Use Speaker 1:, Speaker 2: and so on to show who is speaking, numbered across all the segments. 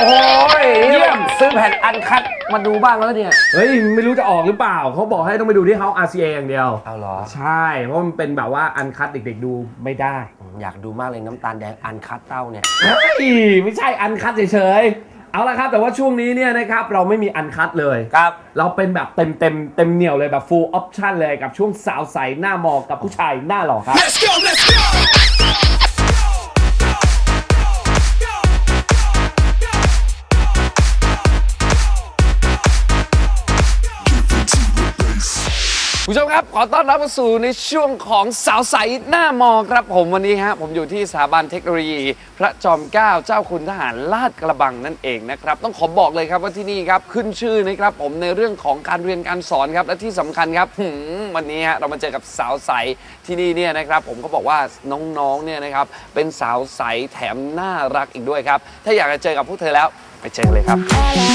Speaker 1: โหเยี่ยมซื้อแผ่นอันคัดมาดูบ้างแล้วเนี่ย
Speaker 2: เฮ้ยไม่รู้จะออกหรือเปล่าเขาบอกให้ต้องไปดูที่ House RCA อย่างเดียว
Speaker 1: เอาเหรอ
Speaker 2: ใช่เพราะมันเป็นแบบว่าอันคัดเด็กๆดูไม่ได้
Speaker 1: อยากดูมากเลยน้ำตาลแดงอันคัดเต้าเนี่ย
Speaker 2: ไม่ใช่อันคัดเฉยๆเอาละครับแต่ว่าช่วงนี้เนี่ยนะครับเราไม่มีอันคัดเลย
Speaker 1: ครับ
Speaker 2: เราเป็นแบบเต็มเหนี่ยวเลยแบบ full option เลยกับช่วงสาวใสหน้ามอกับผู้ชายหน้าหล่อครับ
Speaker 3: Let's go, let's go.
Speaker 1: ผู้ชมครับขอต้อนรับเข้าสู่ในช่วงของสาวใสหน้ามอครับผมวันนี้ฮะผมอยู่ที่สถาบันเทคโนโลยีพระจอมเกล้าเจ้าคุณทหารลาดกระบังนั่นเองนะครับต้องขอบอกเลยครับว่าที่นี่ครับขึ้นชื่อนะครับผมในเรื่องของการเรียนการสอนครับและที่สำคัญครับวันนี้ฮะเรามาเจอกับสาวใสที่นี่เนี่ยนะครับผมก็บอกว่าน้องๆเนี่ยนะครับเป็นสาวใสแถมน่ารักอีกด้วยครับถ้าอยากจะเจอกับพวกเธอแล้วไปเจอเลยครับ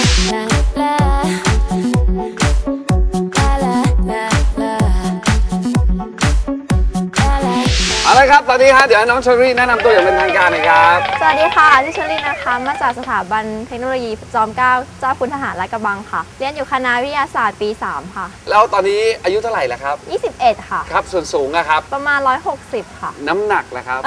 Speaker 1: เอาละครับตอนนี้ฮะเดี๋ยวน้องเชอรี่แนะนำตัวอย่างเป็นทางการหน่อยครับ
Speaker 4: สวัสดีค่ะชื่อเชอรี่นะคะมาจากสถาบันเทคโนโลยีจอมเกล้าเจ้าคุณทหารลาดกระบังค่ะเรียนอยู่คณะวิทยาศาสตร์ปี 3 ค่ะ
Speaker 1: แล้วตอนนี้อายุเท่าไหร่แล้วครับ
Speaker 4: 21ค่ะ
Speaker 1: ครับส่วนสูงอะครับ
Speaker 4: ประมาณ160ค่ะ
Speaker 1: น้ำหนักล่ะครับ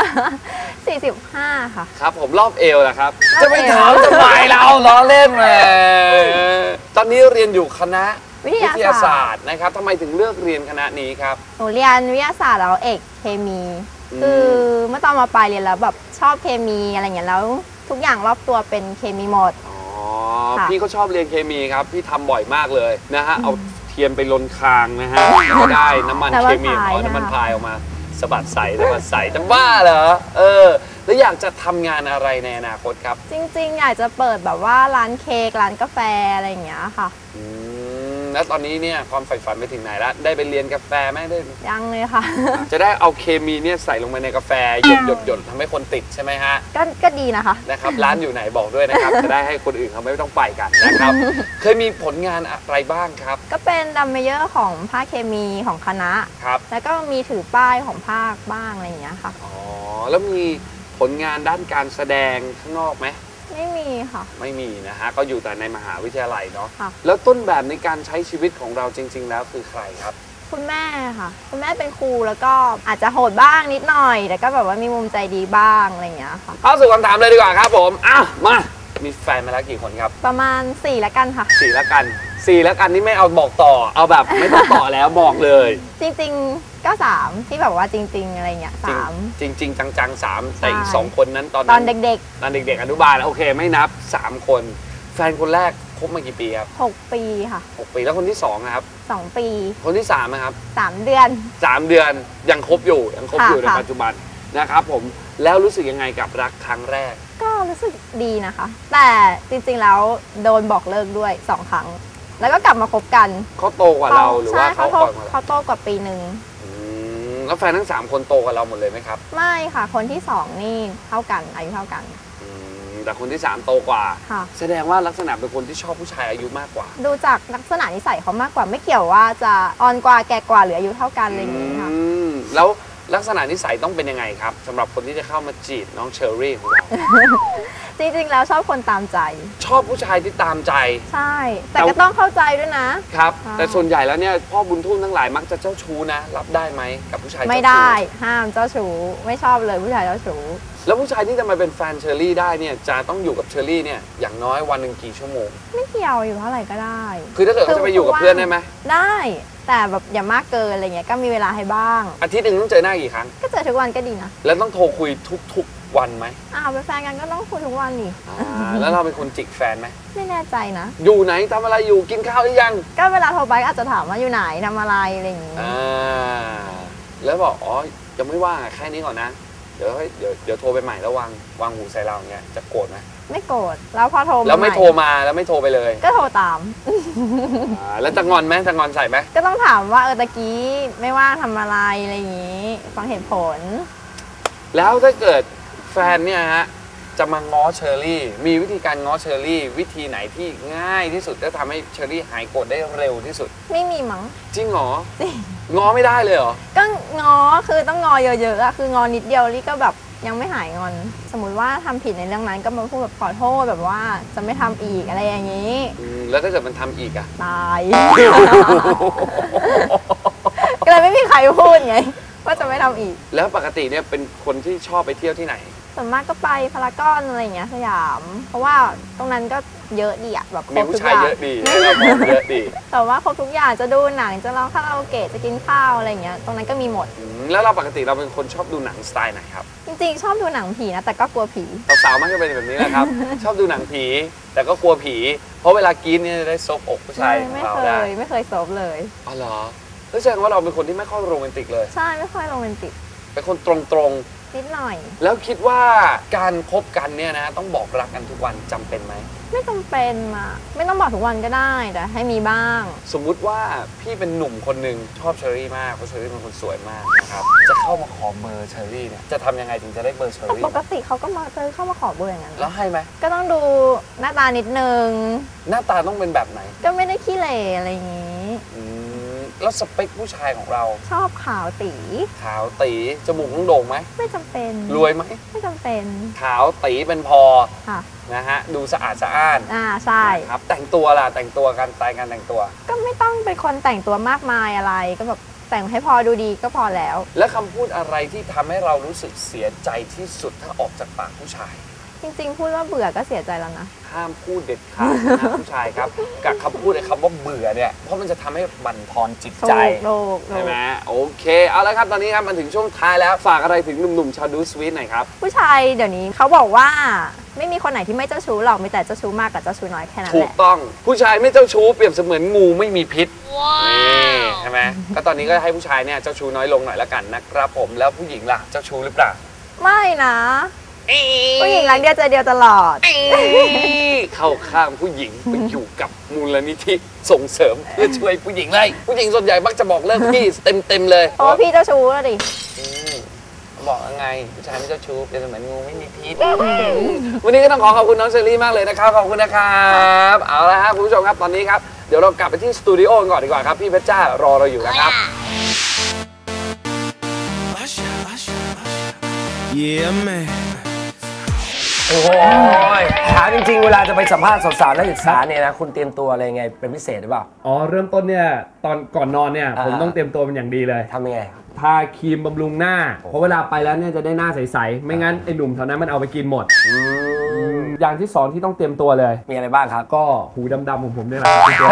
Speaker 4: 45ค่ะ
Speaker 1: ครับผมรอบเอวล่ะครับจะไปถามทำไมเราล้อเล่นมาตอนนี้เรียนอยู่คณะวิทยาศาสตร์นะครับทำไมถึงเลือกเรียนคณะนี้ครับ
Speaker 4: หนูเรียนวิทยาศาสตร์แล้วเอกเคมีคือเมื่อตอนมาปลายเรียนแล้วแบบชอบเคมีอะไรอย่างเงี้ยแล้วทุกอย่างรอบตัวเป็นเคมีหมด
Speaker 1: พี่ก็ชอบเรียนเคมีครับพี่ทำบ่อยมากเลยนะฮะเอาเทียนไปลนคางนะฮะก็ได้น้ำมันเคมีน้ำมันพายออกมาสะบัดใสจะบ้าเหรอแล้วอยากจะทำงานอะไรในอนาคตครับ
Speaker 4: จริงๆอยากจะเปิดแบบว่าร้านเค้กร้านกาแฟอะไรอย่างเงี้ยค่ะ
Speaker 1: แล้วตอนนี้เนี่ยความใฝ่ฝันไปถึงไหนแล้วได้ไปเรียนกาแฟไหมได้
Speaker 4: ยังเลยค่ะ
Speaker 1: จะได้เอาเคมีเนี่ยใส่ลงไปในกาแฟหยดทำให้คนติดใช่ไหมฮะ
Speaker 4: ก็ดีนะคะ
Speaker 1: นะครับร้านอยู่ไหนบอกด้วยนะครับจะได้ให้คนอื่นเขาไม่ต้องไปกันนะครับเคยมีผลงานอะไรบ้างครับ
Speaker 4: ก็เป็นดัมเมเยอร์ของภาคเคมีของคณะ
Speaker 1: ครับ
Speaker 4: แล้วก็มีถือป้ายของภาคบ้างอะไรอย่างเงี้ยค่ะ
Speaker 1: อ๋อแล้วมีผลงานด้านการแสดงข้างนอกไหม
Speaker 4: ไม่มีค่ะ
Speaker 1: ไม่มีนะฮะก็อยู่แต่ในมหาวิทยาลัยเนาะแล้วต้นแบบในการใช้ชีวิตของเราจริงๆแล้วคือใครครับ
Speaker 4: คุณแม่ค่ะคุณแม่เป็นครูแล้วก็อาจจะโหดบ้างนิดหน่อยแต่ก็แบบว่ามีมุมใจดีบ้างอะไรอย่างเงี้ยค่ะ
Speaker 1: เข้าสู่คำถามเลยดีกว่าครับผมมามีแฟนมาแล้วกี่คนครับ
Speaker 4: ประมาณ4ละกันค่ะ
Speaker 1: 4ละกันนี่ไม่เอาบอกต่อเอาแบบไม่ต้องต่อแล้วบอกเลย
Speaker 4: จริงๆก็3ที่แบบว่าจริงๆอะไรเงี้ย3
Speaker 1: จริงจัง3แต่อีก2คนนั้น
Speaker 4: ตอนเด็ก
Speaker 1: อนุบาลโอเคไม่นับ3คนแฟนคนแรกคบมากี่ปีครับ
Speaker 4: 6 ปีค่ะ
Speaker 1: 6 ปีแล้วคนที่2นะครับ
Speaker 4: 2 ปี
Speaker 1: คนที่3นะครับ
Speaker 4: 3 เดือน
Speaker 1: 3 เดือนยังคบอยู่ในปัจจุบันนะครับผมแล้วรู้สึกยังไงกับรักครั้งแรก
Speaker 4: ก็รู้สึกดีนะคะแต่จริงๆแล้วโดนบอกเลิกด้วย2 ครั้งแล้วก็กลับมาคบกัน
Speaker 1: เขาโตกว่าเราหรือว่าเขา
Speaker 4: โตกว่าปีนึง
Speaker 1: แล้วแฟนทั้ง3คนโตกว่าเราหมดเลยไหมครับ
Speaker 4: ไม่ค่ะคนที่2นี่เท่ากันอายุเท่ากัน
Speaker 1: แต่คนที่3โตกว่าแสดงว่าลักษณะเป็นคนที่ชอบผู้ชายอายุมากกว่า
Speaker 4: ดูจากลักษณะนิสัยเขามากกว่าไม่เกี่ยวว่าจะอ่อนกว่าแก่กว่าหรืออายุเท่ากันอะไรอย่างนี้ค่ะ
Speaker 1: แล้วลักษณะนิสัยต้องเป็นยังไงครับสำหรับคนที่จะเข้ามาจีบน้องเชอรี่ของเรา
Speaker 4: จริงๆแล้วชอบคนตามใจ
Speaker 1: ชอบผู้ชายที่ตามใจ
Speaker 4: ใช่แต่ก็ต้องเข้าใจด้วยนะครับ
Speaker 1: แต่ส่วนใหญ่แล้วเนี่ยพ่อบุญทุ่มทั้งหลายมักจะเจ้าชู้นะรับได้ไหมกับผู้ชาย
Speaker 4: ไม่ได้ห้ามเจ้าชู้ไม่ชอบเลยผู้ชายเจ้าชู้
Speaker 1: แล้วผู้ชายที่จะมาเป็นแฟนเชอรี่ได้เนี่ยจะต้องอยู่กับเชอรี่เนี่ยอย่างน้อยวันหนึ่งกี่ชั่วโมง
Speaker 4: ไม่เกี่ยวอยู่เท่าไหร่ก็ได้
Speaker 1: คือถ้าเกิดเขาจะไปอยู่กับเพื่อนได้ไหม
Speaker 4: ได้แต่แบบอย่ามากเกินอะไรเงี้ยก็มีเวลาให้บ้าง
Speaker 1: อาทิตย์หนึ่งต้องเจอหน้ากี่ครั้ง
Speaker 4: ก็เจอทุกวันก็ดีนะ
Speaker 1: แล้วต้องโทรคุยทุกวันไหม
Speaker 4: เป็นแฟนกันก็ต้องคุยทุกวันนี่
Speaker 1: แล้วเราเป็นคนจิกแฟนไหม
Speaker 4: ไม่แน่ใจนะ
Speaker 1: อยู่ไหนทำอะไรอยู่กินข้าวหรือยัง
Speaker 4: ก็เวลาโทรไปอาจจะถามว่าอยู่ไหนทำอะไรอะไรอย่างงี้
Speaker 1: แล้วบอกยังไม่ว่างแค่นี้ก่อนนะเดี๋ยวโทรไปใหม่แล้ววางหูใส่เราเงี้ยจะโกรธไหม
Speaker 4: ไม่โกรธแล้วพอโทร
Speaker 1: แล้วไม่โทรมาแล้วไม่โทรไปเลย
Speaker 4: ก็โทรตาม
Speaker 1: แล้วจะงอนไหมจะงอนใส่ไหม
Speaker 4: ก็ต้องถามว่าตะกี้ไม่ว่างทำอะไรอะไรอย่างงี้ฟังเหตุผล
Speaker 1: แล้วถ้าเกิดแฟนเนี่ยฮะจะมาง้อเชอรี่มีวิธีการง้อเชอรี่วิธีไหนที่ง่ายที่สุดจะทำให้เชอรี่หายโกรธได้เร็วที่สุด
Speaker 4: ไม่มีมั้ง
Speaker 1: จริงเหรอง้อไม่ได้เลยเหรอ
Speaker 4: ก็ง้อคือต้องง้อเยอะๆคืองอนิดเดียวลี่ก็แบบยังไม่หายงอน สมมุติว่าทำผิดในเรื่องนั้นก็มาพูดแบบขอโทษแบบว่าจะไม่ทำอีกอะไรอย่างนี้
Speaker 1: แล้วถ้าเกิดมันทำอีกอะ
Speaker 4: ตาย ก็เลยไม่มีใครพูดไงว่าจะไม่ทำอีก
Speaker 1: แล้วปกติเนี่ยเป็นคนที่ชอบไปเที่ยวที่ไหน
Speaker 4: ส่วนมากก็ไปพารากอนอะไรอย่างเงี้ยสยาม เพราะว่าตรงนั้นก็เยอะดีอะแบบคร
Speaker 1: มี
Speaker 4: บ
Speaker 1: ผู้
Speaker 4: ทุก
Speaker 1: ชา
Speaker 4: อย ย่าง
Speaker 1: เยอะดีให้เราบอกเยอะดี
Speaker 4: แต่ว่าครบทุกอย่างจะดูหนังจะร้องคาราโอเกะจะกินข้าวอะไรอย่างเงี้ยตรงนั้นก็มีหมด
Speaker 1: แล้วเราปกติเราเป็นคนชอบดูหนังสไตล์ไหนครับ
Speaker 4: จริงๆ ชอบดูหนังผีนะแต่ก็กลัวผี
Speaker 1: สาวๆมักจะเป็นแบบนี้นะครับ ชอบดูหนังผี แต่ก็กลัวผี เพราะเวลากรี๊ดเนี่ยจะได้ซบอกผู้ชายของ
Speaker 4: ไม่
Speaker 1: เรา
Speaker 4: เค
Speaker 1: ได้
Speaker 4: ยไม่เคยซบเลย
Speaker 1: อ๋อเหรอแล้วแสดงว่าเราเป็นคนที่ไม่ค่อยโรแมนติกเลย
Speaker 4: ใช่ไม่ค่อยโรแมนติก
Speaker 1: เป็นคนตรง
Speaker 4: นิดหน่อย
Speaker 1: ๆแล้วคิดว่าการคบกันเนี่ยนะต้องบอกรักกันทุกวันจำเป็นไหม
Speaker 4: ไม่จำเป็นอะไม่ต้องบอกทุกวันก็ได้แต่ให้มีบ้าง
Speaker 1: สมมุติว่าพี่เป็นหนุ่มคนหนึ่งชอบเชอรี่มากเพราะเชอรี่เป็นคนสวยมากนะครับจะเข้ามาขอเบอร์เชอรี่เนี่ยจะทำยังไงถึงจะได้เบอร์เชอ
Speaker 4: แต่
Speaker 1: รี่
Speaker 4: ปกติเขาก็มาเข้ามาขอเบอร์อย่างนั้น
Speaker 1: แล้วให้ไหม
Speaker 4: ก็ต้องดูหน้าตานิดนึง
Speaker 1: หน้าตาต้องเป็นแบบไหน
Speaker 4: ก็ไม่ได้ขี้เหร่อะไรอย่างงี้
Speaker 1: แล้วสเปคผู้ชายของเรา
Speaker 4: ชอบขาวตี
Speaker 1: ขาวตีจมูกต้องโด่งไหม
Speaker 4: ไม่จำเป็น
Speaker 1: รวยไหม
Speaker 4: ไม่จำเป็น
Speaker 1: ขาวตีเป็นพอ
Speaker 4: ค่ะ
Speaker 1: นะฮะดูสะอาดสะอ้าน
Speaker 4: ใช่
Speaker 1: ครับแต่งตัวล่ะแต่งตัวการสไตล์การแต่งตัว
Speaker 4: ก็ไม่ต้องเป็นคนแต่งตัวมากมายอะไรก็แบบแต่งให้พอดูดีก็พอแล้ว
Speaker 1: และคำพูดอะไรที่ทำให้เรารู้สึกเสียใจที่สุดถ้าออกจากปากผู้ชาย
Speaker 4: จริงๆ พูดว่าเบื่อก็เสียใจแล้วนะ
Speaker 1: ห้ามพูดเด็ดขาดนะผู้ชายครับกับคำพูดไอ้คำว่าเบื่อเนี่ยเพราะมันจะทำให้บั่นทอนจิตใจ
Speaker 4: โลก
Speaker 1: ใช่ไหมโอเคเอาละครับตอนนี้ครับมันถึงช่วงท้ายแล้วฝากอะไรถึงหนุ่มๆชาวดูสวีทหน่อยครับ
Speaker 4: ผู้ชายเดี๋ยวนี้เขาบอกว่าไม่มีคนไหนที่ไม่เจ้าชู้หรอกมีแต่เจ้าชู้มากกับเจ้าชู้น้อยแค่นั้น
Speaker 1: ถู
Speaker 4: แห
Speaker 1: ก
Speaker 4: ละ
Speaker 1: ต้องผู้ชายไม่เจ้าชู้เปรียบเสมือนงูไม่มีพิษนี่ใช่ไหมก็ตอนนี้ก็ให้ผู้ชายเนี่ยเจ้าชู้น้อยลงหน่อยละกันนะครับผมแล้วผู้หญิงล่ะเจ้าชู้หรือเปล่า
Speaker 4: ไม่นะผู้หญิงรักเดียวใจเดียวตลอด
Speaker 1: เข้าข้างผู้หญิงไปอยู่กับมูลนิธิส่งเสริมเพื่อช่วยผู้หญิงเลยผู้หญิงส่วนใหญ่มักจะบอกเลิกพี่เต็มเลย
Speaker 4: เพราะว่าพี่เจ้าชู้แล้วดิ
Speaker 1: บอกยังไงผู้ชายไม่เจ้าชู้เป็นเหมือนงูไม่มีพิษวันนี้ก็ต้องขอบคุณน้องเชอรี่มากเลยนะครับขอบคุณนะครับเอาละครับคุณผู้ชมครับตอนนี้ครับเดี๋ยวเรากลับไปที่สตูดิโอกันก่อนดีกว่าครับพี่เพชรจ้ารอเราอยู่นะครับ
Speaker 3: Yeah, man.
Speaker 5: โอ้โหถามจริงๆ เวลาจะไปสัมภาษณ์สาวๆนักศึกษาเนี่ยนะคุณเตรียมตัวอะไรไงเป็นพิเศษหรือเปล่า
Speaker 2: อ๋อเริ่มต้นเนี่ยตอนก่อนนอนเนี่ยผม
Speaker 5: อ่า
Speaker 2: ต้องเตรียมตัวเป็นอย่างดีเลย
Speaker 5: ทำยังไง
Speaker 2: ทาครีมบำรุงหน้า เพราะเวลาไปแล้วเนี่ยจะได้หน้าใสๆไม่งั้นไอ้หนุ่มแถวนั้นมันเอาไปกินหมดอย่างที่สองที่ต้องเตรียมตัวเลย
Speaker 5: มีอะไรบ้างครับ
Speaker 2: ก็หูดำๆของผมเนี่ยแหละ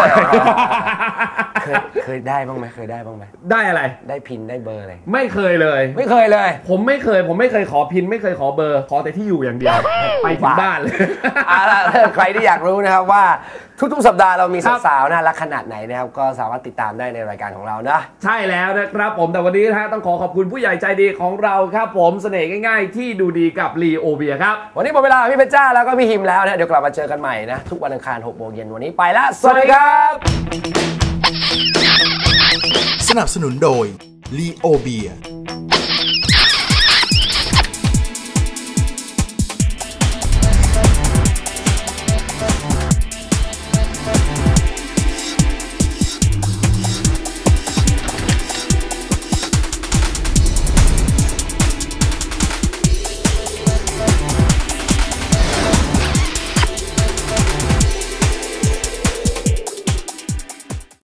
Speaker 5: เคยได้บ้างไหมเคยได้บ้างไหม
Speaker 2: ได้อะไร
Speaker 5: ได้พินได้เบอร์อะไร
Speaker 2: ไม่เคยเลย
Speaker 5: ไม่เคยเลย
Speaker 2: ผมไม่เคยขอพินไม่เคยขอเบอร์ ขอแต่ที่อยู่อย่างเดียว ไปถึงบ้านเลย
Speaker 5: เอาล่ะใครที่อยากรู้นะครับว่าทุกๆสัปดาห์เรามี
Speaker 2: ครับ
Speaker 5: สาวๆน่ารักขนาดไหนนะครับก็สามารถติดตามได้ในรายการของเรานะ
Speaker 2: ใช่แล้วนะครับผมแต่วันนี้นะฮะต้องขอขอบคุณผู้ใหญ่ใจดีของเราครับผมเสน่ห์ง่ายๆ ที่ดูดีกับลีโอเบียครับ
Speaker 5: วันนี้หมดเวลาพี่เพชรจ้าแล้วก็พี่ฮิมแล้วนะเดี๋ยวกลับมาเจอกันใหม่นะทุกวันอังคาร 6 โมงเย็นวันนี้ไปแล้วสวัสดีครับ
Speaker 3: สนับสนุนโดย Leo Beer